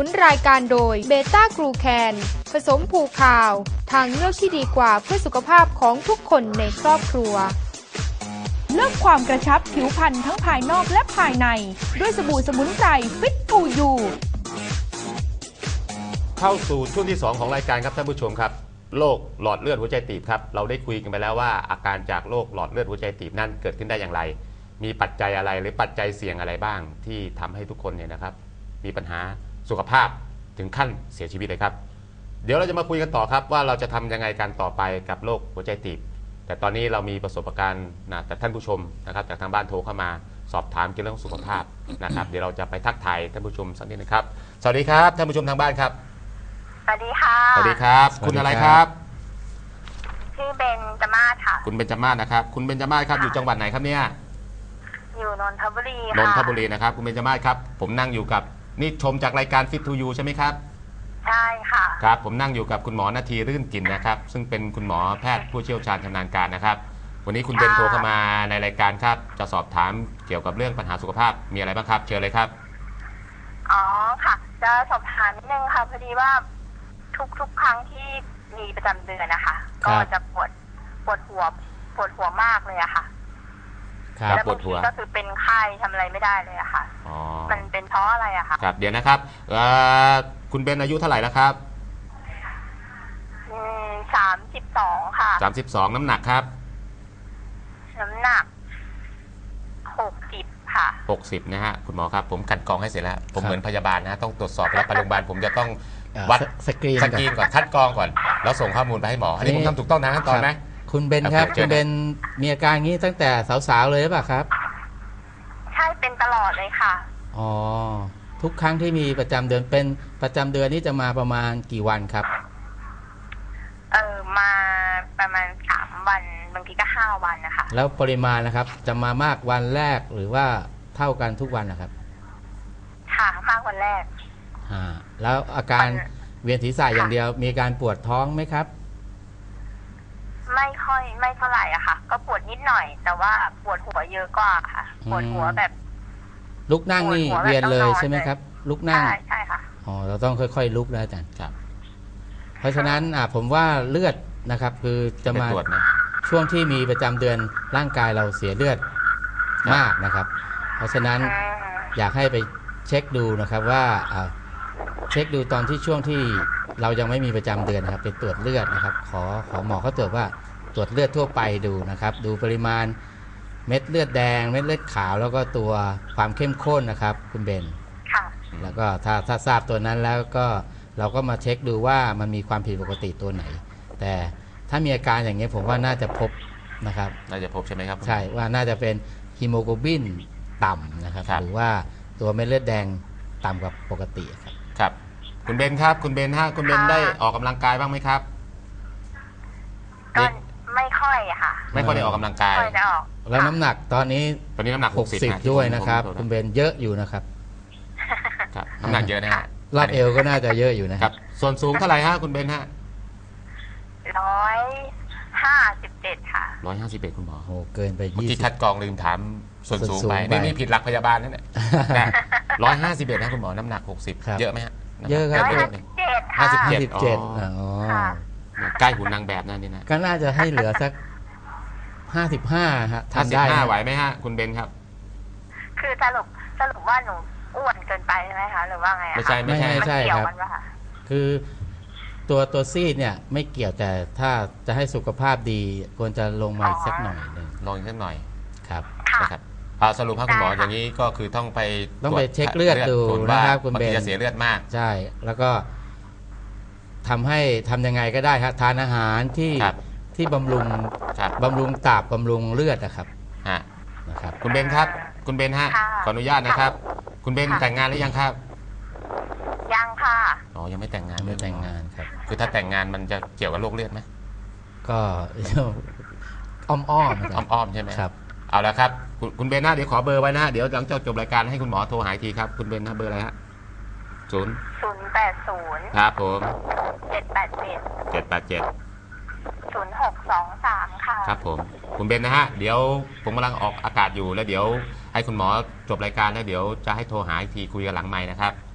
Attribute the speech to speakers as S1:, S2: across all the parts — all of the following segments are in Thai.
S1: นรายการโดยเบต้ากรูแคนผสมผูคาวทางเลือกที่ดีกว่าเพื่อสุขภาพของทุกคนในครอบครัวเลือกความกระชับผิวพรรณทั้งภายนอกและภายในด้วยสบู่สมุนไพรฟิตทูยู
S2: เข้าสู่ช่วงที่2ของรายการครับท่านผู้ชมครับโรคหลอดเลือดหัวใจตีบครับเราได้คุยกันไปแล้วว่าอาการจากโรคหลอดเลือดหัวใจตีบนั้นเกิดขึ้นได้อย่างไรมีปัจจัยอะไรหรือปัจจัยเสี่ยงอะไรบ้างที่ทำให้ทุกคนเนี่ยนะครับมีปัญหาสุขภาพถึงขั้นเสียชีวิตเลยครับเดี๋ยวเราจะมาคุยกันต่อครับว่าเราจะทำยังไงกันต่อไปกับโรคหัวใจตีบแต่ตอนนี้เรามีประสบการณ์แต่ท่านผู้ชมนะครับจากทางบ้านโทรเข้ามาสอบถามเกี่ยวกับเรื่องสุขภาพนะครับเดี๋ยวเราจะไปทักทายท่านผู้ชมสักนิดนะครับสวัสดีครับท่านผู้ชมทางบ้านครับ
S3: สวัสดีค่ะ
S2: สวัสดีครับคุณอะไรครับ
S3: ชื่อเบนจมาศค่ะ
S2: คุณเบนจมาศนะครับคุณเบนจมาศครับอยู่จังหวัดไหนครับเนี่ย
S3: อยู่นนทบุรีค่ะ
S2: นนทบุรีนะครับคุณเบนจมาศครับผมนั่งอยู่กับนี่ชมจากรายการ Fit to You ใช่ไหมครับ
S3: ใช่ค่ะ
S2: ครับผมนั่งอยู่กับคุณหมอนาทีรื่นกลิ่นนะครับซึ่งเป็นคุณหมอแพทย์ผู้เชี่ยวชาญชำนาญการนะครับวันนี้คุณเบนโทรเข้ามาในรายการครับจะสอบถามเกี่ยวกับเรื่องปัญหาสุขภาพมีอะไรบ้างครับเชิญเลยครับ
S3: อ๋อค่ะจะสอบถามนิดนึงค่ะพอดีว่าทุกครั้งที่มีประจำเดือนนะคะก็จะปวดหัวมากเลยอะค่ะแล้วบางทีก็คือเป็นไข้ทำอะไรไม่ได้เลยอะค่ะมันเป็นเพราะอะไรอะคะ
S2: ครับเดี๋ยวนะครับคุณเบนอายุเท่าไหร่แล้วครับ
S3: 32ค่ะ
S2: 32น้ำหนักครับ
S3: น้ำหนัก60ค่ะ
S2: 60นะฮะคุณหมอครับผมกันกรองให้เสร็จแล้วผมเหมือนพยาบาลนะต้องตรวจสอบแล้วไปโรงพยาบาลผมจะต้องวัด
S4: สกรีน
S2: ก่อนคัดกรองก่อนแล้วส่งข้อมูลไปให้หมออันนี้ผมทำถูกต้องนะขั้นตอนไหม
S4: คุณเบนครับคุณเบนมีอาการงี้ตั้งแต่สาวๆเลยหรือเปล่าครับ
S3: ใช่เป็นตลอดเลยค่ะ
S4: อ๋อทุกครั้งที่มีประจำเดือนเป็นประจำเดือนนี่จะมาประมาณกี่วันครับ
S3: มาประมาณ3วันบางทีก็5วันนะคะ
S4: แล้วปริมาณนะครับจะมามากวันแรกหรือว่าเท่ากันทุกวันนะครับ
S3: ค่ะมากวันแรก
S4: แล้วอาการเวียนศีรษะอย่างเดียวมีการปวดท้องไหมครับ
S3: ไม่เท่าไหร่อะค่ะก็ปวดนิดหน่อยแต่ว่าปวดหัวเยอะกว่าค่ะปวดหัวแบบ
S4: ลุกนั่งนี่เวียนเลยใช่ไหมครับลุกนั่ง
S3: ใช่ค่ะ
S4: อ๋อเราต้องค่อยๆลุกนะอาจารย์ครับเพราะฉะนั้นผมว่าเลือดนะครับคือจะมาช่วงที่มีประจำเดือนร่างกายเราเสียเลือดมากนะครับเพราะฉะนั้นอยากให้ไปเช็คดูนะครับว่าเช็คดูตอนที่ช่วงที่เรายังไม่มีประจำเดือนนะครับไปตรวจเลือดนะครับขอหมอเขาตรวจว่าตรวจเลือดทั่วไปดูนะครับดูปริมาณเม็ดเลือดแดงเม็ดเลือดขาวแล้วก็ตัวความเข้มข้นนะครับคุณเบนแล้วก็ถ้าทราบตัวนั้นแล้วก็เราก็มาเช็คดูว่ามันมีความผิดปกติตัวไหนแต่ถ้ามีอาการอย่างนี้ผมว่าน่าจะพบนะครับ
S2: น่าจะพบใช่ไหมครับ
S4: ใช่ว่าน่าจะเป็นฮีโมโกลบินต่ำนะครับหรือว่าตัวเม็ดเลือดแดงต่ำกว่าปกติครับ
S2: ครับคุณเบนครับคุณเบนคุณเบนได้ออกกำลังกายบ้างไหมครับ
S3: ก็ไม่ค่อยค่ะ
S2: ไม่ค่อยได้ออกกำลังกาย
S4: แล้วน้ำหนักตอนนี้
S2: น้ำหนัก
S4: 60ด้วยนะครับคุณเบนเยอะอยู่นะครับ
S2: น้ำหนักเยอะนะฮะ
S4: รอบเอวก็น่าจะเยอะอยู่นะครับ
S2: ส่วนสูงเท่าไหร่ฮะคุณเบนฮะ
S3: 157ค่ะ
S2: 151คุณหมอ
S4: โอ้เกินไป20
S2: ที่คัดกรองลืมถามส่วนสูงไปนี่ผิดหลักพยาบาลนั่นแหละ151นะคุณหมอน้ำหนัก60เยอะไหมฮะ
S4: เยอะครับ
S2: 57
S4: อ๋อ
S2: ใกล้หุ่นนางแบบนั่นนี่นะ
S4: ก็น่าจะให้เหลือสัก55ฮะทำได้
S2: 55ไหวไหมฮะคุณเบนครับ
S3: คือสรุปว่าหนูอ้วนเกินไปใช่ไหมคะหรือว่าไง
S4: ไม่ใช่ครับคือตัวซีดเนี่ยไม่เกี่ยวแต่ถ้าจะให้สุขภาพดีควรจะลงมาอีกสักหน่อยนึง
S2: ลงอีกสักหน่อย
S4: ครับ
S2: นะครับสรุปครับคุณหมออย่างนี้ก็คือต้องไป
S4: เช็คเลือดดูนะครับคุณเบน
S2: จะเสียเลือดมาก
S4: ใช่แล้วก็ทำยังไงก็ได้ครับทานอาหารที่บำรุงตับบำรุงเลือดนะครับ
S2: คุณเบนครับคุณเบนฮะขออนุญาตนะครับคุณเบนแต่งงานหรือยังครับ
S3: ยังค่ะ
S2: อ๋อยังไม่แต่งงาน
S4: ครับ
S2: คือถ้าแต่งงานมันจะเกี่ยวกับโรคเลือดไหม
S4: ก็อ้อม
S2: ใช่ไหม
S4: ครับ
S2: เอาละครับคุณเบนนะเดี๋ยวขอเบอร์ไว้นะเดี๋ยวหลังจากจบรายการให้คุณหมอโทรหาทีครับคุณเบนนะเบอร์อะไรฮะ
S3: 080
S2: ครับผม
S3: 787 0623ค่ะ
S2: ครับผมคุณเบนนะฮะเดี๋ยวผมกำลังออกอากาศอยู่แล้วเดี๋ยวให้คุณหมอจบรายการแล้วเดี๋ยวจะให้โทรหาอีกทีคุยกันหลังไมค์นะครับ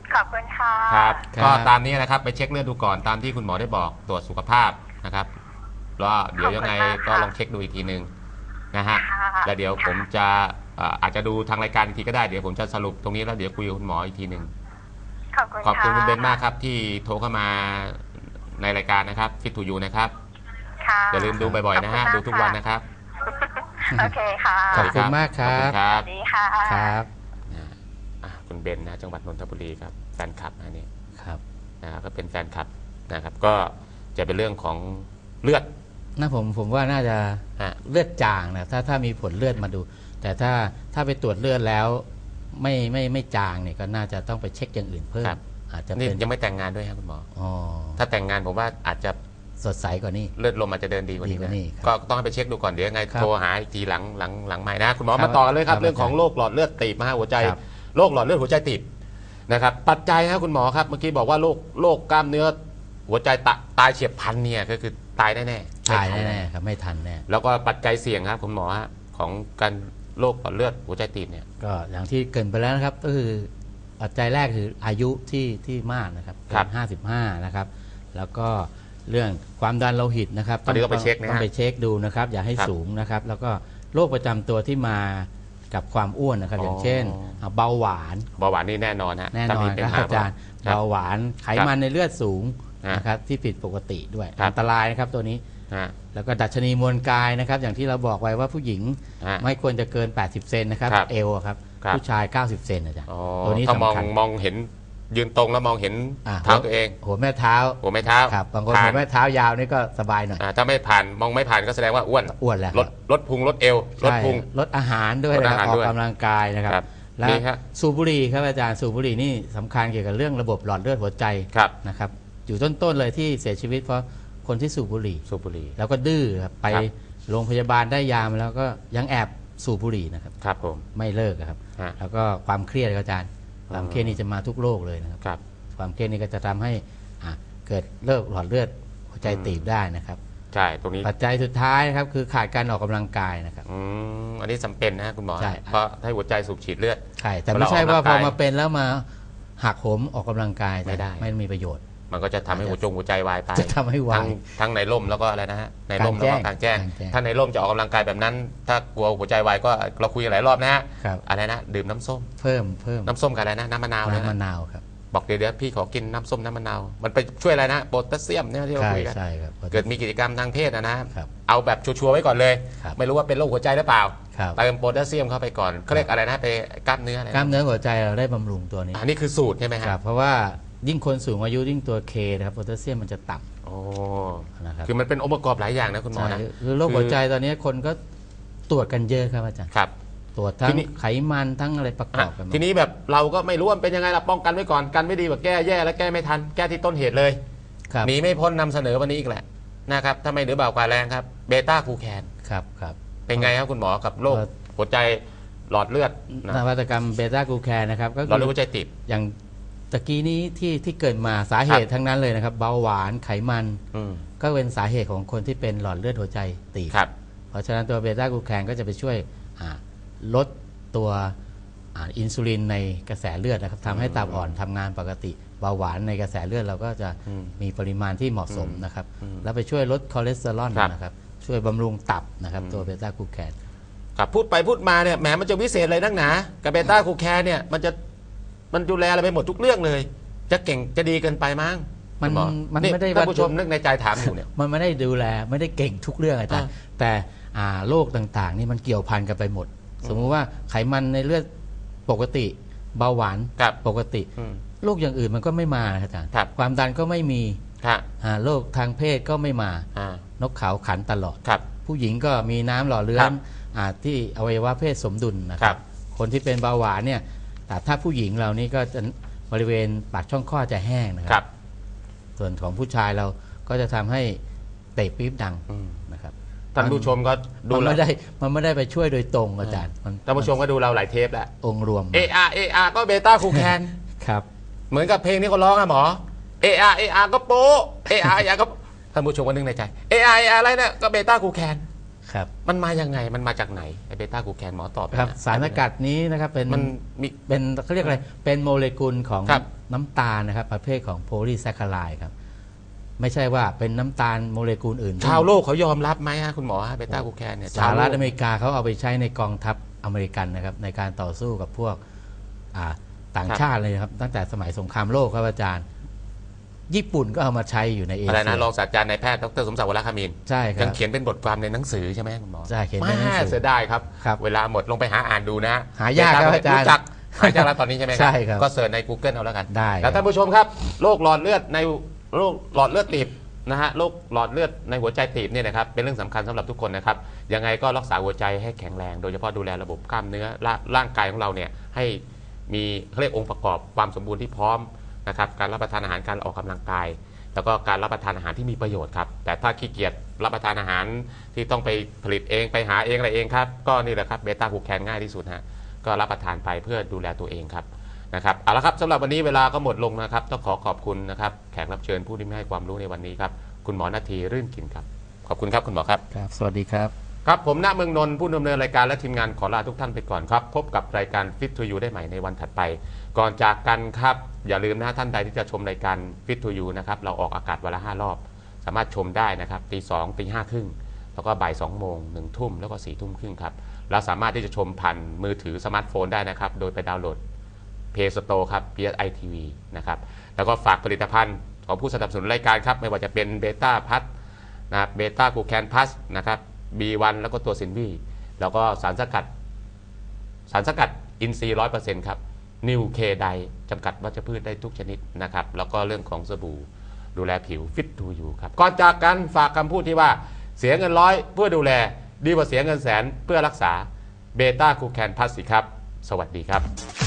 S3: ขอบคุณค่ะ
S2: ครับ
S4: ครับ
S2: ก็ตามนี้นะครับไปเช็คเลือดดูก่อนตามที่คุณหมอได้บอกตรวจสุขภาพนะครับแล้วเดี๋ยวยังไงก็ลองเช็คดูอีกทีนึงนะฮะ
S3: ค่ะ
S2: แล้วเดี๋ยวผมจะอาจจะดูทางรายการอีกทีก็ได้เดี๋ยวผมจะสรุปตรงนี้แล้วเดี๋ยวคุยกับคุณหมออีกทีนึง
S3: ขอบคุณ
S2: ขอบคุณ
S3: ะ
S2: คุณเบนมากครับที่โทรเข้ามาในรายการนะครับฟิตทูยูนะครับ
S3: ค่ะ
S2: อย่าลืมดูบ่อยๆนะฮะ
S3: ขอบคุณมาก
S2: ดูทุกวันนะครับ
S3: โอเคค่ะ
S4: ขอบคุณมากค
S2: ขอบ
S4: รั
S2: คุ
S4: บ
S2: ณครั
S3: ส
S2: บ
S3: วัสดีค่ะ
S4: ครับ
S2: คุณเบนนะจังหวัดนนทบุรีครับแฟนคลับนะนี่
S4: ครับ
S2: นะครับก็เป็นแฟนคลับนะครับก็จะเป็นเรื่องของเลือด
S4: น่าผมว่าน่าจะ
S2: ฮะ
S4: เลือดจางนะถ้ามีผลเลือดมาดู แต่ถ้าไปตรวจเลือดแล้วไม่จางเนี่ยก็น่าจะต้องไปเช็คอย่างอื่นเพิ่ม
S2: ครับ
S4: อาจจะ
S2: นี่
S4: เป็น
S2: ยังไม่แต่งงานด้วยครับคุณหมอ
S4: อ๋อ
S2: ถ้าแต่งงานผมว่าอาจจะ
S4: สดใสกว่านี้
S2: เลือดลมอาจจะเดินดีกว่านี้
S4: ดีกว่า
S2: นะ
S4: นี้ครับ
S2: ก็ต้องให้ไปเช็คดูก่อนเดี๋ยวยังไง
S4: ครับ
S2: โทรหาอีกทีหลังใหม่นะคุณหมอ
S4: ครับ
S2: มาต่อกันเลยครับ
S4: ครับ
S2: เรื่องของโรคหลอดเลือดตีบนะฮะหัวใจ
S4: ครับ
S2: โรคหลอดเลือดหัวใจตีบนะครับปัจจัยครับคุณหมอครับเมื่อกี้บอกว่าโรคกล้ามเนื้อหัวใจตายเฉียบพลันเนี่ยก็คือตายแน่ๆ
S4: ตาย
S2: ไม่ทั
S4: แน่ๆครับไม่ทันแน่
S2: แล้วก็ปัจจัยเสี่ยงครับคุณหมอฮะของการโรคหลอดเลือดหัวใจตีบเนี่ย
S4: ก็อย่างที่เกรินไปแล้วนะครับก็คือปัจจัยแรกคืออายุที่มากนะครับ
S2: ครับ
S4: 55นะครับแล้วก็เรื่องความดันโลหิตนะครับ
S2: ตอนนี้ต้องไปเช็คนะฮะ
S4: ต้องไปเช็คดูนะครับอย่าให้
S2: ครับ
S4: สูงนะครับแล้วก็โรคประจำตัวที่มากับความอ้วนนะครับ
S2: อ๋อ
S4: อ
S2: อย่าง
S4: เช่นเบาหวาน
S2: เบาหวานนี่แน่นอนฮะ
S4: แน่น
S2: ถ้า
S4: อ
S2: มี
S4: น
S2: เป็
S4: ครับ
S2: ห
S4: อาจารย์
S2: ครับ
S4: เบาหวานไขมันในเลือดสูง
S2: ฮะ
S4: นะครับที่ผิดปกติด้วย
S2: ครับ
S4: อันตรายนะครับตัวนี้
S2: ฮะ
S4: แล้วก็ดัชนีมวลกายนะครับอย่างที่เราบอกไว้ว่าผู้หญิง
S2: ฮะ
S4: ไม่ควรจะเกิน 80 เซนนะครับ
S2: ครับ
S4: เอวอะครับ
S2: ครับ
S4: ผู้ชาย 90 เซนอาจารย์
S2: อ๋อ
S4: ตัวนี้
S2: ถ้ามอง
S4: สำคัญ
S2: มองเห็นยืนตรงแล้วมองเห็น
S4: อ่า
S2: เท้าตัวเอง
S4: หัวแม่เท้า
S2: หัวไม่เท้า
S4: ครับบางคน
S2: ผ่
S4: หัวแม่เท้ายาวนี่ก็สบายหน่อย
S2: ถ้าไม่ผ่านมองไม่ผ่านก็แสดงว่าอ้วน
S4: อ้วนแล้ว
S2: ลดพุงลดเอวลด
S4: ใช่
S2: พุง
S4: ลดอาหารด้วย
S2: ลด
S4: นะ
S2: อา
S4: ค
S2: หา
S4: รับ
S2: ร
S4: ออ
S2: ด้วย
S4: กกำลังกายนะครับ
S2: ครับ
S4: และ
S2: นี่ฮะ
S4: สูบบุหรี่ครับอาจารย์สูบบุหรี่นี่สำคัญเกี่ยวกับเรื่องระบบหลอดเลือดหัวใจ
S2: ครับ
S4: นะครับอยู่ต้นๆเลยที่เสียชีวิตเพราะคนที่สูบบุหรี่
S2: สูบบุหรี่
S4: แล้วก็ดื้อครับไป
S2: ครับ
S4: โรงพยาบาลได้ยามาแล้วก็ยังแอบสูบบุหรี่นะครับ
S2: ครับผม
S4: ไม่เลิกอะครับ
S2: ฮะ
S4: แล้วก็ความเครียดครับอาจารย์ความเครียดนี่จะมาทุกโรคเลยนะครับ
S2: ครับ
S4: ความเครียดนี่ก็จะทำให้เกิดเลิกหลอดเลือดหัวใจตีบได้นะครับ
S2: ใช่ตรงนี้
S4: ปัจจัยสุดท้ายนะครับคือขาดการออกกำลังกายนะครับ
S2: อันนี้จำเป็นนะฮะคุณหมอ
S4: ใช่
S2: เพราะให้หัวใจสูบฉีดเลือด
S4: ใช่แต่ไม่ใช่ว่า
S2: เวลาออกกำลังกาย
S4: พอมาเป็นแล้วมาหักโหมออกกำลังกาย
S2: ไม่ได้
S4: ไม่มีประโยชน์
S2: มันก็จะทำให้หัวใจวายตาย
S4: จะทำให้วาย
S2: ทั้งในร่มแล้วก็อะไรนะฮะในร่ม
S4: ก
S2: แล้ว
S4: ลางแจ้ง
S2: ก็กลางแจ้ง
S4: กลางแจ้ง
S2: ถ้าในร่มจะออกกำลังกายแบบนั้น ถ้ากลัวหัวใจวายก็เราคุยกันหลายรอบนะฮะ
S4: ครับ
S2: อะไรนะดื่มน้ำส้ม
S4: เพิ่ม
S2: น้ำส้มกับอะไรนะน้ำมะนาว
S4: น้ำมะ
S2: นะ
S4: นาวครับ
S2: บอกเดี๋ยวพี่ขอกินน้ำส้มน้ำมะนาวมันไปช่วยอะไรนะโพแทสเซียมเนี่ยที่เรา
S4: ใช่
S2: คุยกัน
S4: ใช่ครับ
S2: เกิดมีกิจกรรมทางเพศนะ
S4: ครับ
S2: เอาแบบชัวร์ๆไว้ก่อนเลย
S4: ครับ
S2: ไม่รู้ว่าเป็นโรคหัวใจหรือเปล่า
S4: ครับ
S2: เติมโพแทสเซียมเข้าไปก่อนเขาเรียกอะไรนะไปกล้ามเนื้ออะไรนะ
S4: กล้ามเนื้อหัวใจเราได้บำรุงตัวนี้
S2: อันนี้คือสูตรใช่ไหม
S4: ค
S2: ค
S4: รั
S2: รั
S4: บบ เพราะว่ายิ่งคนสูงอายุยิ่งตัวเคนะครับโพแทสเซียมมันจะต่
S2: โอ้
S4: ำนะครับ
S2: คือมันเป็นองค์ประกอบหลายอย่างนะคุณหมอ
S4: ใช่
S2: นะ
S4: คือโรคหัวใจตอนนี้คนก็ตรวจกันเยอะครับอาจารย์
S2: ครับ
S4: ตรวจทั้
S2: ที
S4: ง
S2: นี้
S4: ไขมันทั้งอะไรประกอบกันหมด
S2: ทีนี้แบบเราก็ไม่รู้ว่ามันเป็นยังไงล่ะป้องกันไว้ก่อนกันไม่ดีกว่าแก้แย่แล้วแก้ไม่ทันแก้ที่ต้นเหตุเลย
S4: ครับ
S2: หนีไม่พ้นนำเสนอวันนี้อีกแหละนะครับถ้าไม่เหนือเบากว่าแรงครับเบต้าคูแคน
S4: ครับครับ
S2: เป็นไงครับคุณหมอกับโรค
S4: เอ่อ
S2: หัวใจหลอดเลือดนะ
S4: นวัตกรรมเบต้ากลูแคนนะครับก็
S2: หลอด
S4: คื
S2: เลือด
S4: อ
S2: หัวใจตีบ
S4: อย่างตะกี้นี้ที่เกิดมาสาเหตุทั้งนั้นเลยนะครับเบาหวานไขมัน
S2: อืม
S4: ก็เป็นสาเหตุของคนที่เป็นหลอดเลือดหัวใจตีบ
S2: ครับ
S4: เพราะฉะนั้นตัวเบต้ากลูแคนก็จะไปช่วยลดตัวอินซูลินในกระแสเลือดนะครับทำให้ตับอ่อนทำงานปกติเบาหวานในกระแสเลือดเราก็จะ
S2: อืม
S4: มีปริมาณที่เหมาะสมนะครับ
S2: อืม
S4: แล้วไปช่วยลดคอเลสเตอรอล
S2: ครับ
S4: นะครับช่วยบำรุงตับนะครับตัวเบต้ากลูแคน
S2: ครับพูดไปพูดมาเนี่ยแหมมันจะวิเศษอะไรนักหนากับเบต้าคูแคนเนี่ยมันดูแลอะไรไปหมดทุกเรื่องเลย จะเก่งจะดีเกินไปมั้ง
S4: มัน
S2: คุณหอ
S4: มันไม่ได้
S2: ท่านผู้ชมนึกในใจถามอยู่เนี่ย
S4: มันไม่ได้ดูแลไม่ได้เก่งทุกเรื่องอาจารย์แต่โรคต่างๆ นี่มันเกี่ยวพันกันไปหมด สมมุติว่าไขมันในเลือดปกติเบาหวาน
S2: ครับ
S4: ปกติ
S2: อืม
S4: โรคอย่างอื่นมันก็ไม่มานะครับอาจารย์
S2: ครับ
S4: ความดันก็ไม่มี
S2: ครับ
S4: โรคทางเพศก็ไม่มา
S2: อ่าน
S4: กเขาขันตลอด
S2: ครับ
S4: ผู้หญิงก็มีน้ำหล่อเลี้ย
S2: ครั
S4: ง
S2: บ
S4: ที่อวัยวะเพศสมดุลนะค
S2: ครั
S4: รับ บคนที่เป็นเบาหวานเนี่ยแต่ถ้าผู้หญิงเรานี่ก็จะบริเวณปากช่องคลอดจะแห้งนะค
S2: ครั
S4: รับ ส่วนของผู้ชายเราก็จะทำให้เตะปี๊บดัง
S2: อืม
S4: นะครับ
S2: ท่านผู้ชมก็ดู
S4: มัน
S2: เรา
S4: ไม่ได้ไปช่วยโดยตรงอาจารย์
S2: ท่านผู้ชมก็ดูเราหลายเทปแล้ว
S4: องค์รวม
S2: AR ก็เบต้าคูแคน
S4: ครับ
S2: เหมือนกับเพลงที่เขาร้องอะหมอ AR ก็โป๊ะ AR ก็ท่านผู้ชมก็นึกในใจ AR อะไรเนี่ยก็เบต้าคูแคน
S4: ครับ
S2: มันมายังไงมันมาจากไหนไอเบต้าคูแคนหมอตอบ
S4: ครับ
S2: นะ
S4: สารสกัดนี้นะครับเป็น
S2: มันมี
S4: เป็นเขาเรียกอะไรเป็นโมเลกุลของ
S2: ครับ
S4: น้ำตาลนะครับประเภทของโพลีแซคคาไรด์ครับไม่ใช่ว่าเป็นน้ำตาลโมเลกุลอื่น
S2: ชาวโลกเขายอมรับไหมฮะคุณหมอเบต้ากลูแคนเนี่ย
S4: สหรัฐอเมริกาเขาเอาไปใช้ในกองทัพอเมริกันนะครับในการต่อสู้กับพวกต่างชาติเลยครับตั้งแต่สมัยสงครามโลกครับอาจารย์ญี่ปุ่นก็เอามาใช้อยู่ในเอเชีย
S2: อะไรนะรองศาสตราจารย์นายแพทย์ดรสมศักดิ์วรคามินทร์
S4: ใช่ครับ
S2: ยังเขียนเป็นบทความในหนังสือใช่ไหมคุณหมอ
S4: ใช่เขียนเป็นหนังสือ
S2: เสียดายครับ เวลาหมดลงไปหาอ่านดูนะ
S4: หายากครับอาจารย์
S2: หายากแล้วตอนนี้ใช่ไหม
S4: ใช่ครับ
S2: ก็เสิร์ชใน Google เอาแล้วกัน
S4: ได้
S2: แล้วท่านผู้ชมครับโรคหลอดเลือดในโรคหลอดเลือดตีบนะฮะโรคหลอดเลือดในหัวใจตีบเนี่ยนะครับเป็นเรื่องสำคัญสำหรับทุกคนนะครับยังไงก็รักษาหัวใจให้แข็งแรงโดยเฉพาะดูแลระบบกล้ามเนื้อร่างกายของเราเนี่ยให้มีเขาเรียกองค์ประกอบความสมบูรณ์ที่พร้อมนะครับการรับประทานอาหารการออกกำลังกายแล้วก็การรับประทานอาหารที่มีประโยชน์ครับแต่ถ้าขี้เกียจรับประทานอาหารที่ต้องไปผลิตเองไปหาเองอะไรเองครับก็นี่แหละครับเบต้ากลูแคนง่ายที่สุดฮะก็รับประทานไปเพื่อดูแลตัวเองครับนะครับเอาละครับสำหรับวันนี้เวลาก็หมดลงนะครับต้องขอบคุณนะครับแขกรับเชิญผู้ที่ให้ความรู้ในวันนี้ครับคุณหมอนาทีรื่นกินครับขอบคุณครับคุณหมอครับ
S4: ครับสวัสดีครับ
S2: ครับผมณเมืองนนท์ผู้ดำเนินรายการและทีมงานขอลาทุกท่านไปก่อนครับพบกับรายการ Fit to You ได้ใหม่ในวันถัดไปก่อนจากกันครับอย่าลืมนะท่านใดที่จะชมรายการ Fit to You นะครับเราออกอากาศวันละ5 รอบสามารถชมได้นะครับตี 2 ตี 5 ครึ่งแล้วก็บ่าย 2 โมง 1 ทุ่มแล้วก็ 4 ทุ่มครึ่งครับเราสามารถที่จะชมผ่านมือถือสมาร์ทโฟนได้นะครับโดยไปดาวน์โหลด Play Store ครับ PSI TV นะครับแล้วก็ฝากผลิตภัณฑ์ของผู้สนับสนุนรายการครับไม่ว่าจะเป็นเบต้าพัทนะครับเบต้ากลูแคนพัสนะครับ B1 แล้วก็ตัวซินวีแล้วก็สารสกัดอินทรีย์ 100% ครับนิวเคไดจำกัดวัชพืชได้ทุกชนิดนะครับแล้วก็เรื่องของสบู่ดูแลผิวฟิตทูยูครับก่อนจากกันฝากคำพูดที่ว่าเสียเงิน100เพื่อดูแลดีกว่าเสียเงินแสนเพื่อรักษาเบต้ากลูแคนพัสสิครับสวัสดีครับ